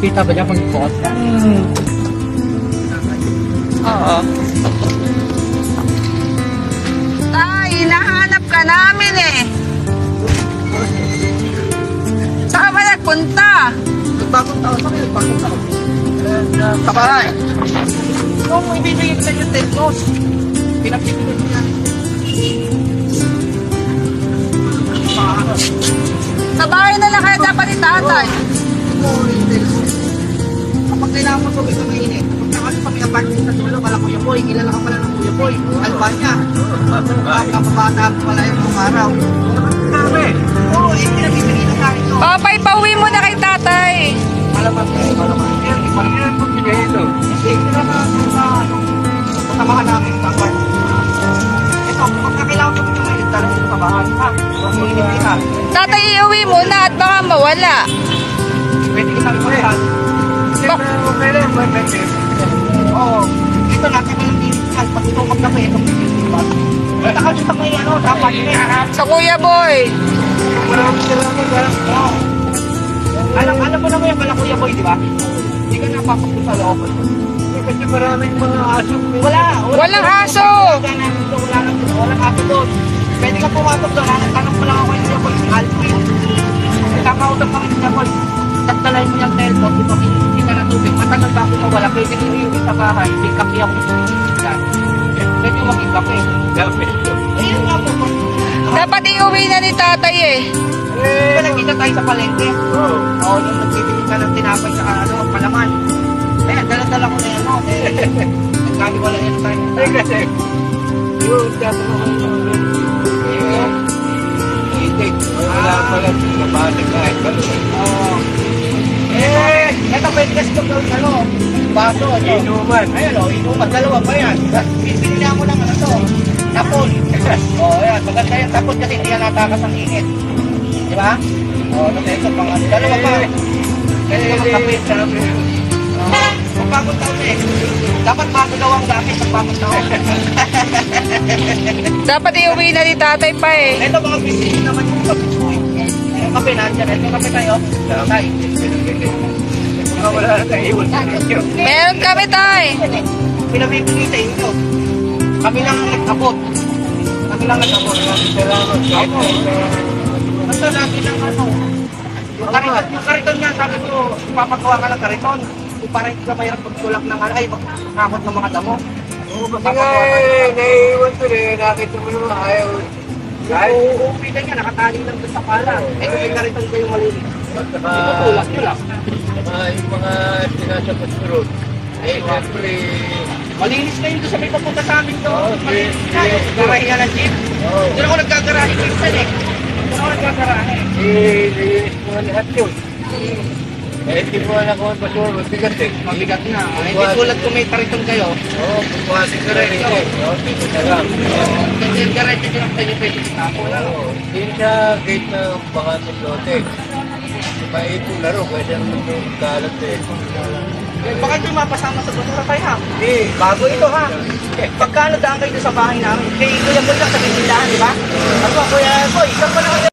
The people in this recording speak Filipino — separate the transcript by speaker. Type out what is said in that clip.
Speaker 1: Kita ba niya pag bukas ka?
Speaker 2: Oo. Tay, hinahanap ka namin eh. Saan ba nagpunta?
Speaker 1: Bagong taon pa kayo, bagong taon. Sa bahay. Kung ibibigay ko sa inyo 10 close, pinapipigil ko na.
Speaker 2: Sa bahay na lang kaya dapat ni tatay.
Speaker 1: Kapag kailangan mo tubig na mainit, kung nakali pa may apartment sa dulo, kala Kuya Boy, kilala ka pala ng Kuya Boy, Albania. Kapabata ko pala yung mga araw. Kami, oo, pinapipigil na sa akin to.
Speaker 2: Papay, pauwi mo na kay tatay.
Speaker 1: Malaman kayo, malaman. Yan, ipagyan mo bigay ito. Hindi, kailangan sa kasamahan namin sa apartment. Ito, kung kailangan tubig na mainit, dahil ito sa bahay, ha? Huwag mo inipita.
Speaker 2: Tatay, iuwi mo na at baka mawala.
Speaker 1: Pwede kitang iparehan. Okay lang, pwede. Oo. Ito natin mo yung initial. Pag ito magkape, itong initial. Nakakita ko yung ano, dapat niya.
Speaker 2: Sa Kuya Boy.
Speaker 1: Maraming salamat. Oo. Alam mo naman yung pala Kuya Boy, di ba? Hindi ka napapakot sa loob. Kasi maraming mga aso.
Speaker 2: Walang aso.
Speaker 1: Walang aso doon. Pwede ka pumatok doon. Tanong mo lang ako yung Kuya Boy, si Alvin. Kakausap kami ni Kuya Boy. Tatalain mo yung teleport, ito hindi ka na tubig. Matagal ba ako mawala? Pwede nyo iuwi sa bahay. May kape ako sa pilihan. Pwede yung maging kape. Ayun nga po.
Speaker 2: Dapat iuwi na ni tatay eh.
Speaker 1: Di ba nagkita tayo sa palengke? Oo, yung nagtitinig ka ng tinapay sa ano, palaman. Ayan, dala-dala ko na yan. Nagkali wala yan tayo. Ay kasi, yung dapat ako yung itik. Wala pala sa balik kahit balik. Oo. Ito pwede kasi ito gawin ano, baso. Inuman. Ayan o, inuman. Dalawa pa yan. Pinili mo lang ano to. Tapon. Ayan, maganda yan. Tapon kasi hindi yan natakas ang init. Di ba? Ito pang ano. Dalawa pa. Pwede ka magkapit. Kung bagong taon eh. Dapat bago daw ang gamit sa bagong taon.
Speaker 2: Dapat iuwi na ni tatay pa eh.
Speaker 1: Ito mga bisita naman yung kape. Yung kape nandiyan. Ito kape tayo. Tay. Wala na tayo.
Speaker 2: Meron kami tay.
Speaker 1: Pinabibigay sa inyo. Kami lang nag-abot. Kami lang nag-abot. Salamat. Basta natin ang ano. Yung kariton niya, sabi ko, papagawa ka ng kariton. Kung parang hindi ka mayroon pagtulak ng ano, ay makakot ng mga damo.
Speaker 3: Kasi nga, naiiwan ko rin, nakita mo naman ayaw.
Speaker 1: Yung uuwi na niya, nakatali lang doon sa pala. Eh kung may kariton kayo malinis. Tutulak nyo lang.
Speaker 3: Yung mga sinasapat ko ron. Eh, siyempre,
Speaker 1: Malinis na yun doon sa may papunta sa amin doon.
Speaker 3: Oo,
Speaker 1: Malinis na.
Speaker 3: yes.
Speaker 1: Garahe nga ng jeep.
Speaker 3: Oo.
Speaker 1: Doon ako nagkagarahe minsan eh. Doon ako nagkagarahe.
Speaker 3: nilinis mo na lahat yun. Eh, hindi mo alam kung basura, mabigat eh.
Speaker 1: Mabigat na. Hindi tulad kung may kariton kayo.
Speaker 3: Oo, pumasok ka rin ito. Oo, dito na lang.
Speaker 1: Kasi yung garahe din ang pwede itapo lang.
Speaker 3: Oo, din sa gate ng bakantong lote. Maipon na rin, kasi ang mga kalat eh.
Speaker 1: Baka ito yung mapasama sa basura tayo ha.
Speaker 3: Hindi,
Speaker 1: Bago ito ha. Pagkano daan kayo doon sa bahay namin? Kay Kuya Boy lang sa Bindilahan, di ba? Ako, Kuya Boy, saan pa naman